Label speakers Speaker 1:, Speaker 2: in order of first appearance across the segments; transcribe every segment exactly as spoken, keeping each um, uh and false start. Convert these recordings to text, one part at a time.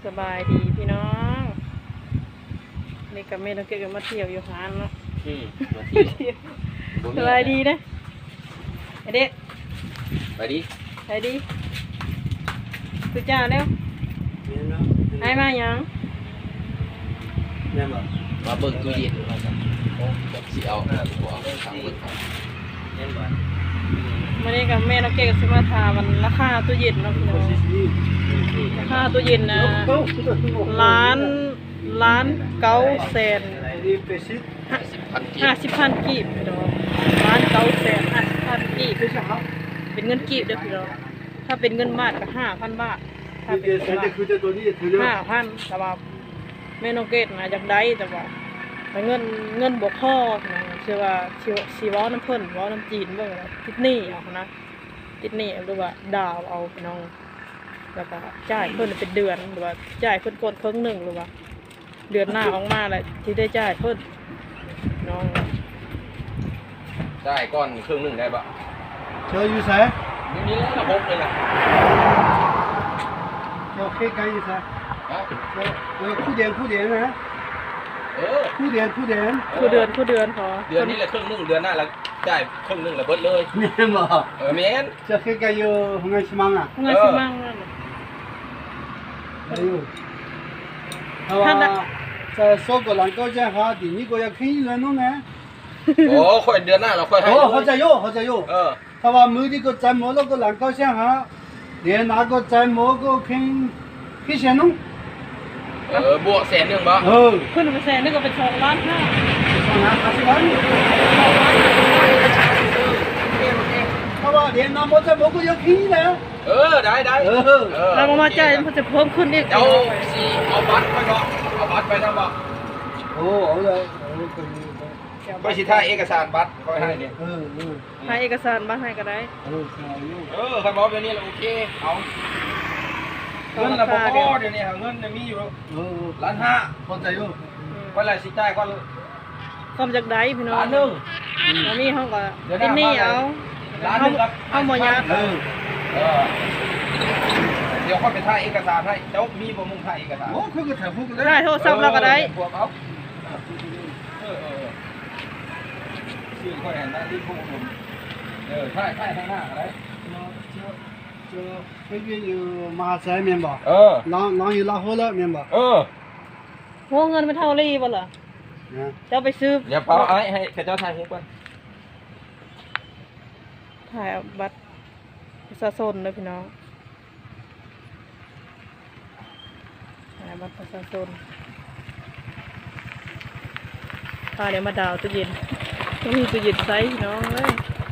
Speaker 1: สบายดีพี่น้องนี่กับแม่ต้องเก็บกันมาเที่ยวอยู่ฮานเนาะ
Speaker 2: อืมมาเที่ยว
Speaker 1: สบายดีนะไอเด็ก
Speaker 2: ไปดิ
Speaker 1: ไปดีคือจ้าเร็วให้มายัง
Speaker 3: เนี่ยบ่
Speaker 2: มาเบิ่งตู้เย็นมาจ้ะสิเอาหน้าตัวเอาทางเบิ่งครับ
Speaker 3: เนี่ยบ่
Speaker 1: มานี่กับแม่ต้องเก็บกันสิมาทามันราคาตู้เย็นเนาะพี่น้องราคาตู้เย็นนะล้านล้านเก้าแสน
Speaker 2: ห้าสิบพันกี
Speaker 1: ห้า
Speaker 2: บ
Speaker 1: สิบพันกีบพี่น้องล้านเก้าแสนห้าสิบพันกีบเป็นเงินกีบเด้อพี่น้องถ้าเป็นเงินบาทก็ห้าพันบาทถ้าเป็นเงินบาทห้าพันแต่ว่าแม่น้องเกดนะอยากได้แต่ว่าเงินเงินบวกพ่อนะเชื่อว่าชีวชีวน้ำเพิ่นว้าน้ำจีนเบิ่งนะติดหนี้เอานะติดหนี้หรือว่าดาวเอาพี่น้องแล้วก็จ่ายเพิ่นเป็นเดือนหรือว่าจ่ายเพิ่นกดครึ่งหนึ่งหรือว่าเดือนหน้าออกมาแหละที่ได้จ่ายเพิ่นน้อง
Speaker 2: ได้ก้อนครึ่งหนึงได้ปะ
Speaker 3: เธออยู่ไส
Speaker 2: ไม่มีแล้วระบบเลยล่ะ
Speaker 3: เธอเคยไกลอยู่ไส
Speaker 2: ฮะ
Speaker 3: เออคู่เดียนคู่เดียนนะ
Speaker 2: เออ
Speaker 3: คู่เดียนคู่เดียน
Speaker 1: คู่เดือนคู่เดือนพอ
Speaker 2: เดือนนี้แหละครึ่งหนึงเดือนหน้าแล้วได้ครึ่งหนึงแล้วเบิดเลย
Speaker 3: เนี่ยบ่
Speaker 2: เออแม่น
Speaker 3: เธอเคยไกลอยู่หงายชิมังอ่ะ
Speaker 1: งานสิมั่งนั่นน่ะ
Speaker 3: อายุเพราะว่าจะโซกหลังก็จะหาดีนี่ก็อยากขึ้นแล้วนู่นนะ
Speaker 2: โอ้ค่อยเดือนหน้าเราค่อยให้
Speaker 3: โอ้
Speaker 2: เลย
Speaker 3: เขาจะอยู่เขาจะอยู่
Speaker 2: เออ
Speaker 3: ถ้าว่ามือที่ก็ใจหมดแล้วก็หลังก็จะหาเดี๋ยวนาก็ใจหมดก็ขึ้นขึ้นเสียนุ่ง
Speaker 2: เออบวกแสนหนึงบ่
Speaker 3: เออ
Speaker 1: ขึ้นไปแสนนึกว่าเป็นสองล้านห้า
Speaker 3: สองล้านห้าสิบล้านถ้าว่าเดี๋ยวนาหมดใจหมดก็อยากขึ้นแล้ว
Speaker 2: เออได้ได้
Speaker 3: เออ
Speaker 2: เออ
Speaker 1: เรามามาจ่ายมันจะเพิ่มขึ้นอีก
Speaker 2: เจ้าสิเอาบัตรไปบ่เอาบัตรไปนำบ่
Speaker 3: โอ้เอาเลยเอาเลย
Speaker 2: ก็สิถ่ายเอกสารบัตรค่อยให้นี่
Speaker 3: เออเออ
Speaker 1: ให้เอกสารบ้านให้ก็ได้
Speaker 3: เออใช่อยู่
Speaker 2: เออคันบอกแบบนี้แล้วโอเคเอาเงินละบ่พอเดี๋ยวนี้หาเงินเนี่ยมีอยู่
Speaker 3: เออ
Speaker 2: ล้านห้า
Speaker 3: เข้าใจอยู่
Speaker 2: เวลาสิจ่ายก่อน
Speaker 1: ความจากได้พี่น้อง
Speaker 2: ล้านหนึง
Speaker 1: แล้วนี่เขาก็
Speaker 2: เดี๋ยว
Speaker 1: เป็นหนี้เอา
Speaker 2: ล้านหนึงครับ
Speaker 1: เขาหมดยา
Speaker 3: เออ
Speaker 2: เออเดี๋ยวค่อยไปถ่ายเอกสารให้เจ้ามีบ่มึงถ่ายเอกสาร
Speaker 3: โอ้คือก็ถ่ายรูปกัน
Speaker 1: ได้โทรศัพท์เราก็ได้
Speaker 2: พวกเอาเออเออชื่อค่อยเห็นหน้าที่ผู้ผมเออถ่ายถ่ายข้างหน้าก็ได้
Speaker 3: เจอเฮ้ยอยู่มหาชัยเมียนบ่
Speaker 2: เออ
Speaker 3: น้องน้องอยู่ลาโฮแล้วเมียนบ่
Speaker 2: เออ
Speaker 1: โหเงินเป็นเท่ารีบ่ล่ะ
Speaker 3: นะ
Speaker 1: เจ้าไปซื้อ
Speaker 2: อย่าเป่าไอ้ให้เจ้าถ่ายให้ก่อน
Speaker 1: ถ่ายบัตรประชาชนเลยพี่น้องถ่ายบัตรประชาชนพาเดี๋ยวมาดาวตู้เย็นต้องมีตู้เย็นไซส์พี่น้องเลย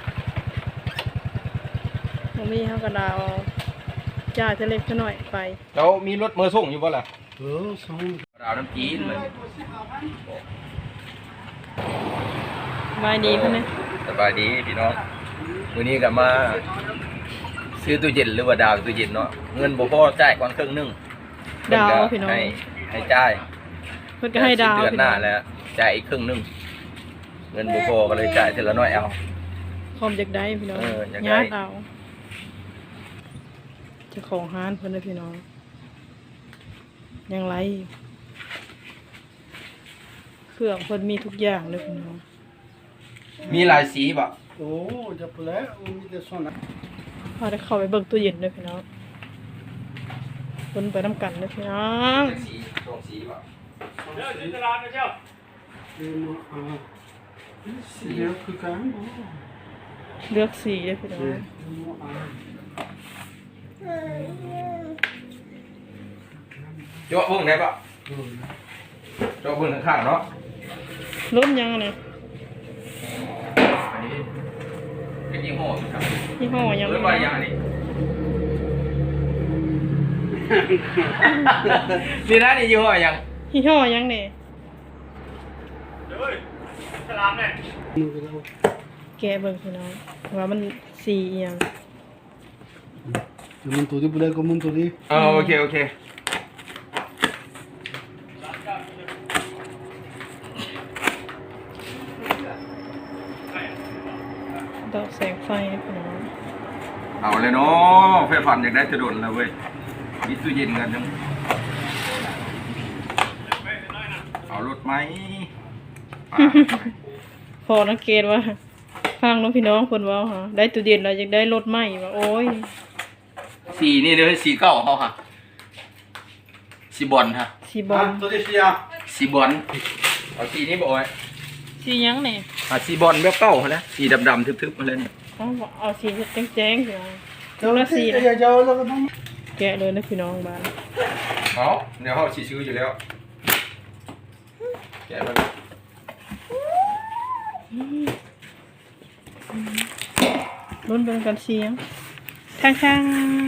Speaker 1: ต้องมีเขากระดาวจ่ายเท่าเล็กเท่าน้อยไป
Speaker 2: เจ้ามีรถมือส่งอยู่บ่ล่ะ
Speaker 3: เออสอง
Speaker 2: ดาวน้ำจีนเลย
Speaker 1: มาดีขึ้นไหม
Speaker 2: สบายดีพี่น้องวันนี้ก็มาซื้อตู้เย็นหรือว่าดาวตู้เย็นเนาะเงินบ่พอจ่ายก่อนครึ่งหนึง
Speaker 1: ดาว
Speaker 2: เพิ่นก็
Speaker 1: พี่น้อง
Speaker 2: ให้ให้จ่าย
Speaker 1: เพิ่นก็ให้ดาว
Speaker 2: เดือน
Speaker 1: พี่
Speaker 2: ห
Speaker 1: น้
Speaker 2: น้า
Speaker 1: อง
Speaker 2: แล้วจ่ายอีกครึ่งหนึงเงินบ่พอก็เลยจ่ายทีละน้อยเอา
Speaker 1: พร้อมจากได้พี่น้อง
Speaker 2: เอออยากได้
Speaker 1: ญาติเอาเจ้าของห้านเพิ่นเลยพี่น้องยังไรเครื่องเพิ่นมีทุกอย่างเลยพี่น้อง
Speaker 2: มีหลายสีบ่
Speaker 3: โอ้จะเปล่ามีแต่ส่วนนั้น
Speaker 1: พาได้เข้าไปเบิ่งตู้เย็นเลยพี่น้องเพิ่นไปน้ำกันเลยพี่น้อง
Speaker 2: สีสองสีบ่
Speaker 3: เดี๋ยวจะร้านนะเจ้าเดี๋ยวอ่าสีเดียวคือกันโอ้
Speaker 1: เลือกสีเลยพี่น้อง
Speaker 2: เจาะเบิ่งได้บ่เจาะเบิ่งข้างๆเนาะ
Speaker 1: รุ่นยังอะเนี่ย
Speaker 2: อันนี้เป็นยี่ห้อครับ
Speaker 1: ยี่ห้อยัง
Speaker 2: เรียกว่าอย่างนี้นี่นะนี่ยี่ห้ออย่าง
Speaker 1: ยี่ห้อยังเนี่ย
Speaker 3: มือเรา
Speaker 1: แกะเบิ่งพี่น้องว่ามันสีอิหยัง
Speaker 3: จะมันตัวที่เปล่าก็มันตัวที่
Speaker 2: อ๋อโอเคโอเค
Speaker 1: ดอกแสงไฟนะพี่น้อง
Speaker 2: เอาเลยเนาะไฟฟันอยากได้จะโดนแล้วเว้ยมีตู้เย็นกันจังเอารถไหม
Speaker 1: พอนักเกณฑ์ว่าฟังน้องพี่น้องคนเว่าฮะได้ตู้เย็นเราจะได้รถใหม่ว่าโอ้ย
Speaker 2: สีนี่เลยสีเก้าเขาค่ะสีบอลฮะ
Speaker 1: สีบอล
Speaker 3: ตัวนี้เสีย
Speaker 2: สีบอลเอาสีนี้บ่อย
Speaker 1: สีหยังเนี่ย
Speaker 2: อ่ะสีบอลแบบเก้าเขาแล้วสีดำๆทึบๆมาเลยเนี่ย
Speaker 1: เอาเอาสีแจ้งๆสิเอา
Speaker 3: ตัวนี้เสียเจ้าแล้วก็ต้อง
Speaker 1: แกะเลยนะพี่น้องบ้าน
Speaker 2: เอาเดี๋ยวเขาสีซื้ออยู่แล้วแกะมัน
Speaker 1: รุ่นเป็นกันเสียงข้างข้าง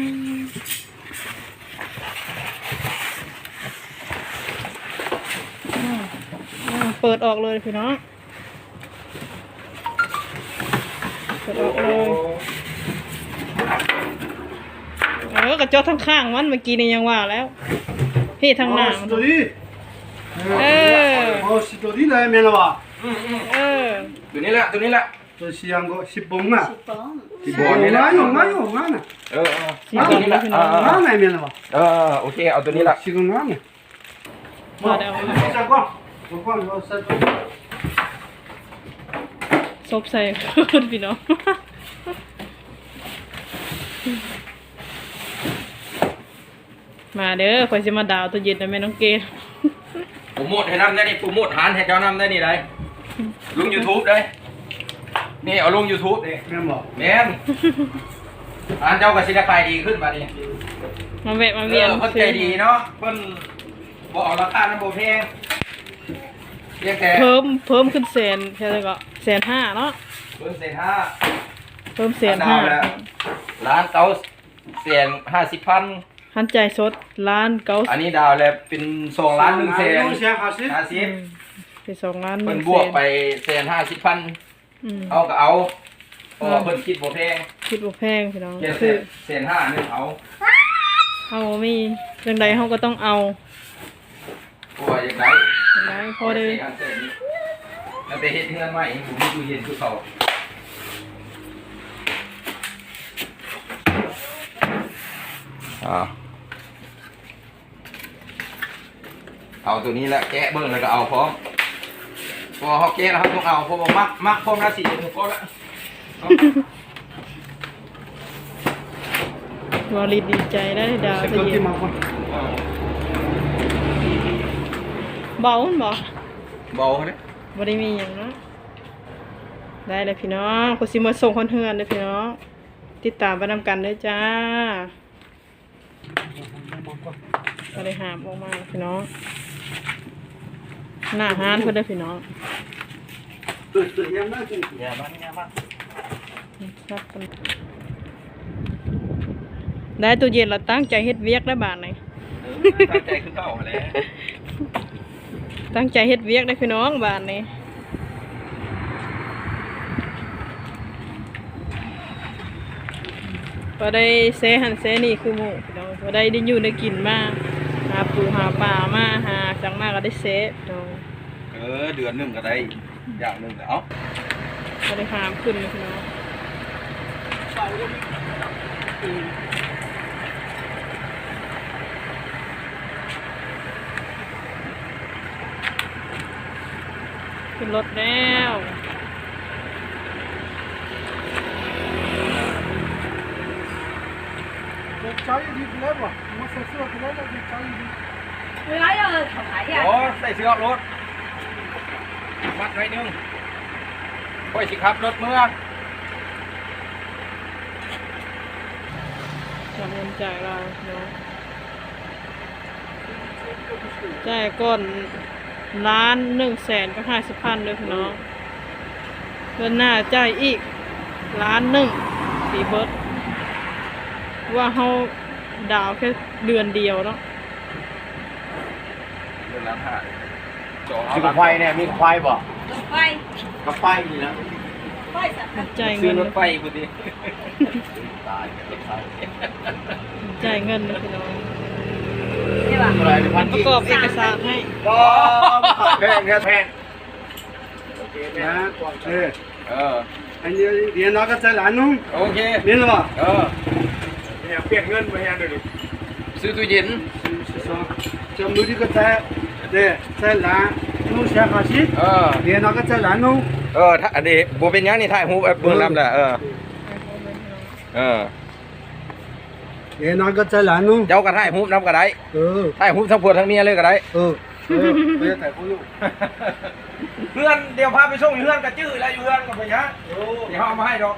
Speaker 1: เปิดออกเลยพี่น้องเปิดออกเลยเออกระจกทั้งข้างมันเมื่อกี้นี่ยังว่าแล้วพี่ทางหน้า
Speaker 3: ตัวนี้
Speaker 1: เออ
Speaker 3: โอ้สิตัวนี้เลยแม่นบ่
Speaker 2: อืมอืม
Speaker 1: เออ
Speaker 2: ตัวนี้แหละตัวนี้แหละ
Speaker 3: ตัวเสียงก็สิบปงอ่ะ
Speaker 2: สีบอลนี่แหละ
Speaker 3: งานอยู่งานอยู่งานน่ะ
Speaker 2: เออเอาตัวนี้แหละเออ
Speaker 3: งานไหนแม่นบ่
Speaker 2: เออโอเคเอาตัวนี้แหละ
Speaker 3: สิงานน่ะ
Speaker 1: มาเดี๋ยว
Speaker 3: จักว่าจักว่าเราใส่ตัว
Speaker 1: ซบใส่ขึ้นพี่น้องมาเด้อคอยจะมาดาวตัวเย็นนะแม่น้องเกด
Speaker 2: โปรโมทให้น้ำได้นี่โปรโมทหานให้เจ้าน้ำได้นี่ได้ลง YouTube ได้นี่เอาลง YouTube นี่
Speaker 3: แม่นบ่
Speaker 2: แม่นอ่านเจ้าก็สิได้ขายดีขึ้นมาดิ
Speaker 1: มาแวะมา
Speaker 2: เอ
Speaker 1: เวียน
Speaker 2: อเพิ่นใจดีเนาะเพิ่นบ่เอาราคานั้นบ่แพงเพียงแต่
Speaker 1: เพิ่มเพิ่มขึ้นแสนแค่ไหนก็แสนห้าเนาะ
Speaker 2: เพิ่นเศษห้า
Speaker 1: เพิ่มแสนห้า
Speaker 2: ล้านเก้าแสนห้าสิบพัน
Speaker 1: หันใจสดล้านเก้า
Speaker 2: อันนี้ดาวแล้วเป็นสองล้านหนึ่งแสน
Speaker 3: เสียห้าสิบ
Speaker 2: ห้าสิบ
Speaker 1: เป็นสองล้านห
Speaker 2: เพิ่
Speaker 1: นึ่
Speaker 2: น
Speaker 1: ง
Speaker 2: บวก
Speaker 1: แสน
Speaker 2: ไปแสนห้าสิบพัน
Speaker 1: อืม
Speaker 2: เอาก็เอาเพราะว่าเพิ่นคิดบ่แพง
Speaker 1: คิดว่าแพงพี่น้อง
Speaker 2: แค่
Speaker 1: คือ
Speaker 2: แสนห้านึงเอา
Speaker 1: เอามีเรื่องใดเขาก็ต้องเอา
Speaker 2: เพราะว่าอย่างไร
Speaker 1: อย่างไรพอเลย
Speaker 2: ตั้งแต่เฮ็ดเฮือนใหม่ผมมีตู้เย็นคือเขาอ่าเอาตัวนี้แหละแกะเบิ่งแล้วก็เอาพร้อมพอเขาแกะแล้วเขาต้องเอาเพราะว่ามักมักพร้อมละสี่ถึงพอละเอา
Speaker 1: วาลีดีใจได้ดาว
Speaker 3: เสร็จ
Speaker 1: ตัว
Speaker 3: ก็
Speaker 1: เย็
Speaker 3: ที่
Speaker 1: น
Speaker 3: มาคน
Speaker 2: เอา
Speaker 1: เบามันบ่
Speaker 2: เบาเลย
Speaker 1: บ่ได้มีอย่างเนาะได้เลยพี่น้องกูสิมาส่งคนเฮือนเลยพี่น้องติดตามไปนำกันเด้อจ้าก็ได้หามออกมาพี่น้องหน้าห้านเพื่อนเด้อพี่น้อง
Speaker 3: ตัวตัวยังน่ากิน
Speaker 2: อย่าบ้านอย่าบ้าน
Speaker 1: ครับได้ตู้เย็นเราตั้งใจเฮ็ดเวียกได้บาทไหน
Speaker 2: ตั้งใจคือเก่าแหล้ว
Speaker 1: ตั้งใจเฮ็ดเวียกได้พี่น้องบาทนี้พอได้เซหันเซนี่คือหมูพี่น้องพอได้ได้อยู่ได้กินมาหาปูหาปลามาหาจังมากก็ได้เซพี่น้อง
Speaker 2: เออเดือนหนึ่งก็ได้อย่างหนึ่งแล้ว
Speaker 1: พอได้หามขึ้นเลยพี่น้องขึ้นรถแล้ว
Speaker 3: เด็กชายดีเลยบ่มาใส่เสื้อไปเลยเด็กชายดี
Speaker 4: 佢喺度頭睇啊！
Speaker 2: โอ้ใส่เสื้อรถมัดไว้หนึงค่อยสิครับรถเมื่อ
Speaker 1: จำเงินจ่ายเราเนาะจ่ายก่อนล้านหนึ่งแสนก็ห้าสิบพันเลยพี่น้องเดือนหน้าจ่ายอีกล้านหนึ่งสีเบิร์ดว่าเขาดาวแค่เดือนเดียวเนาะ
Speaker 2: เดือนละห้าจอ
Speaker 5: ซื้อกับไฟเนี่ยมีกับไฟบ่
Speaker 4: 喂，
Speaker 5: กับไฟนี่นะ
Speaker 4: 喂實
Speaker 1: จ่าย
Speaker 2: ซื้
Speaker 1: เงิ
Speaker 2: อน รถไฟพอดี
Speaker 5: ตายรถไฟ
Speaker 1: จ่ายเงินเลยพี่น้อง
Speaker 4: 你話
Speaker 5: อะไรพัน
Speaker 1: ประกอบเอกสารให้
Speaker 5: ก็แพงแค่แพง
Speaker 3: นะเออ
Speaker 2: เออ
Speaker 3: อันนี้เรียนนักก็ใจหลานนุ่ง
Speaker 2: โอเค
Speaker 3: เรียนหรือเปล่า
Speaker 2: เออ
Speaker 5: เนี่ยเปลี่ยนเงินไปแฮนด์ดิ
Speaker 2: ซื้อตู้เย็น
Speaker 3: สองจำมือที่ก็ใจเด้ใจหลาน弄先下去，
Speaker 2: เออ
Speaker 3: 连那个再来弄。
Speaker 2: เออถ้าอันนี้บ่เป็นหยังนี่ถ่ายรูปเบิ่งนำแหละเออเออ
Speaker 3: 连那个再来弄。
Speaker 2: เจ้าก็ถ่ายรูปนำก็ได้
Speaker 3: 呃
Speaker 2: ถ่ายรูปทั้งผัวทั้งเมียเลยก็ได้
Speaker 3: 呃，呃，不要太忽悠。
Speaker 2: เพื่อนเดี๋ยวพาไปส่งอยู่เพื่อนก็จื้อแล้วอยู่เพื่อนก็ไปหยังเดี๋ยวเอามาให้ดอก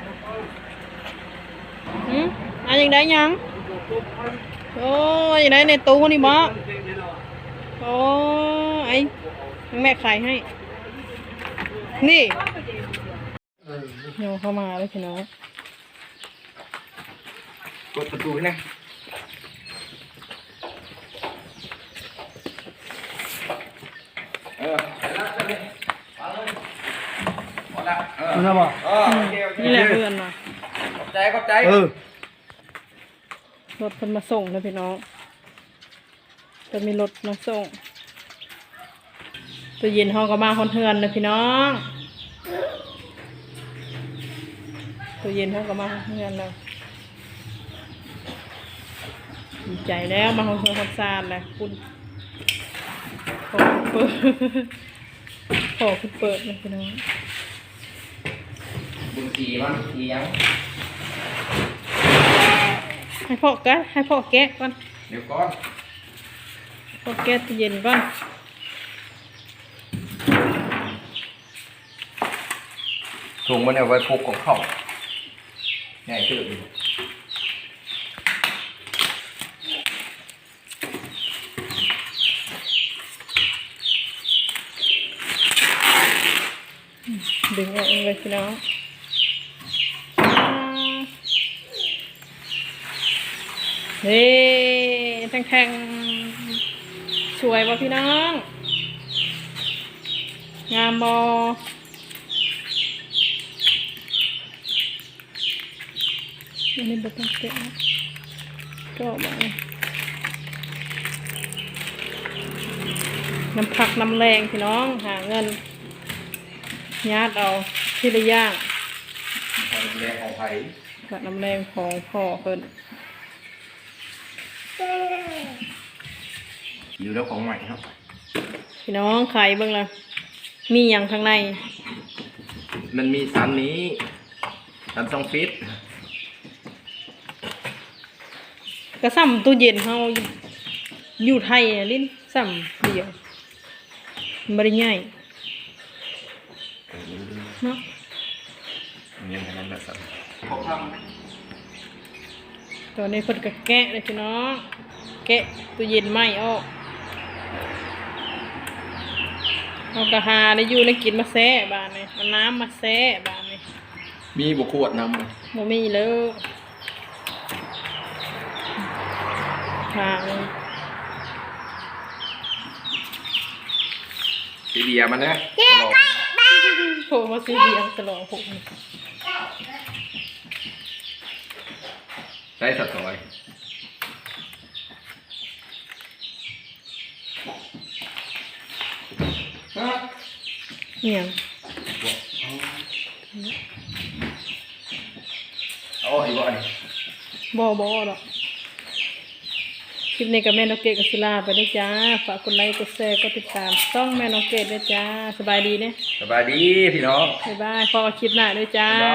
Speaker 1: หืมอันยังได้ยังโอ้ยยังได้ในตู้นี่บ่โอ้ไอ้แม่ขายให้นี่โยเข้ามาเลยพี่น้อง
Speaker 2: กดประตูนะเออ好了เออ
Speaker 3: 知道吧？
Speaker 2: เออโอเคโอเค
Speaker 1: นี่แหละเพื่อนมา
Speaker 2: ขอบใจขอบใจ
Speaker 3: 呃，
Speaker 1: รถเพิ่นมาส่งนะพี่น้องจะมีรถมาส่งตัวเย็นห้องก็มาคอนเทือนนะพี่น้องตัวเย็นห้องก็มาคอนเทือนแล้วดีใจแล้วมาคอนเทือนคอนซานแล้วคุณขอเปิดขอคุณเปิดนะพี่น้อง
Speaker 2: บุญสีมั้งสียัง
Speaker 1: ให้พ่อแกะให้พ่อแกะก่อน
Speaker 2: เดี๋ยวก่อน
Speaker 1: พ่อแกะตัวเย็นก่อน
Speaker 2: ถุงมันเอาไว้พกของเขาง่ายขึ้นอยู่
Speaker 1: ดึงออกเลยพี่น้องเฮ้แทงแทงๆสวยป่ะพี่น้อง งามบออันนี้บต้องเก็บนะก็มาน้ำผักน้ำแรงพี่น้องหาเงินญาติเอาที่ละย่าง
Speaker 2: ของแรงของไผ่
Speaker 1: ผักน้ำแรงของพ่อเพิ่น
Speaker 2: อยู่แล้วของใหม่ครับ
Speaker 1: พี่น้องไข่เบิ่งละมีอย่างข้างใน
Speaker 2: มันมีสันนี้สันสองฟิต
Speaker 1: ก็ซ้ำตู้เย็นเฮาอยู่ไทยอะลิ้นซ้ำเดียวมันบ่ได้ใหญ่เนาะ
Speaker 2: นี่มันแบบสัน
Speaker 1: ตอนนี้เพิ่นก็แกะเลยพี่น้องแกะตู้เย็นไหม้ออกเอากระหาได้อยู่ได้กินมาแซ่บานนี่เอาน้ำมาแซ่บานนี่
Speaker 2: มีบุขวดนำ
Speaker 1: บ่มีเลยทาง
Speaker 2: สีเบียร์มันนะ
Speaker 1: โผล่มาซื้อเบียร์ตลอดผม
Speaker 2: ใช้สัตว์ต่อย
Speaker 1: เนี่ย
Speaker 2: โอ้ยบ่อย
Speaker 1: บ่บ่หรอกคลิปนี้กับแม่น้องเกดกับศิลาไปด้วยจ้าฝากกดไลค์กดแชร์กดติดตามช่องแม่น้องเกดด้วยจ้าสบายดีเนี่ย
Speaker 2: สบายดีพี่น้อง
Speaker 1: บ๊ายบายพอกันคลิปหน้าด้วยจ้า